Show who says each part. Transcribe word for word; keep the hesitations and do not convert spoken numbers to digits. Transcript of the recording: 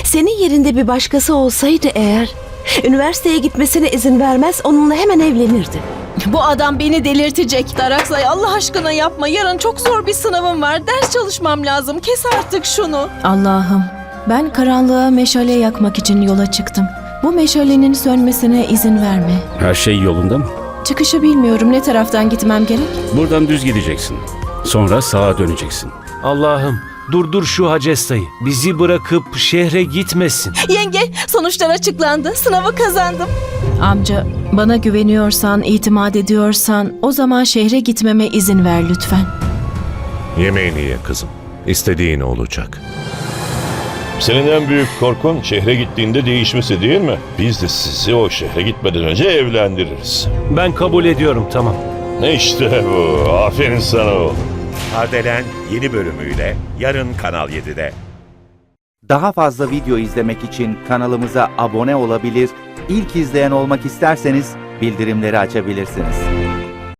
Speaker 1: Senin yerinde bir başkası olsaydı eğer, üniversiteye gitmesine izin vermez, onunla hemen evlenirdi.
Speaker 2: Bu adam beni delirtecek. Daraksay, Allah aşkına yapma. Yarın çok zor bir sınavım var. Ders çalışmam lazım. Kes artık şunu.
Speaker 3: Allah'ım, ben karanlığa meşale yakmak için yola çıktım. Bu meşalenin sönmesine izin verme.
Speaker 4: Her şey yolunda mı?
Speaker 3: Çıkışı bilmiyorum, ne taraftan gitmem gerek?
Speaker 4: Buradan düz gideceksin. Sonra sağa döneceksin.
Speaker 5: Allah'ım, durdur şu Hacesta'yı. Bizi bırakıp şehre gitmesin.
Speaker 2: Yenge, sonuçlar açıklandı. Sınavı kazandım.
Speaker 3: Amca, bana güveniyorsan, itimat ediyorsan o zaman şehre gitmeme izin ver lütfen.
Speaker 6: Yemeğini ye kızım. İstediğin olacak.
Speaker 7: Senin en büyük korkun şehre gittiğinde değişmesi değil mi? Biz de sizi o şehre gitmeden önce evlendiririz.
Speaker 5: Ben kabul ediyorum, tamam.
Speaker 7: İşte bu. Aferin sana oğlum.
Speaker 8: Kardelen yeni bölümüyle yarın Kanal yedide.
Speaker 9: Daha fazla video izlemek için kanalımıza abone olabilir, ilk izleyen olmak isterseniz bildirimleri açabilirsiniz.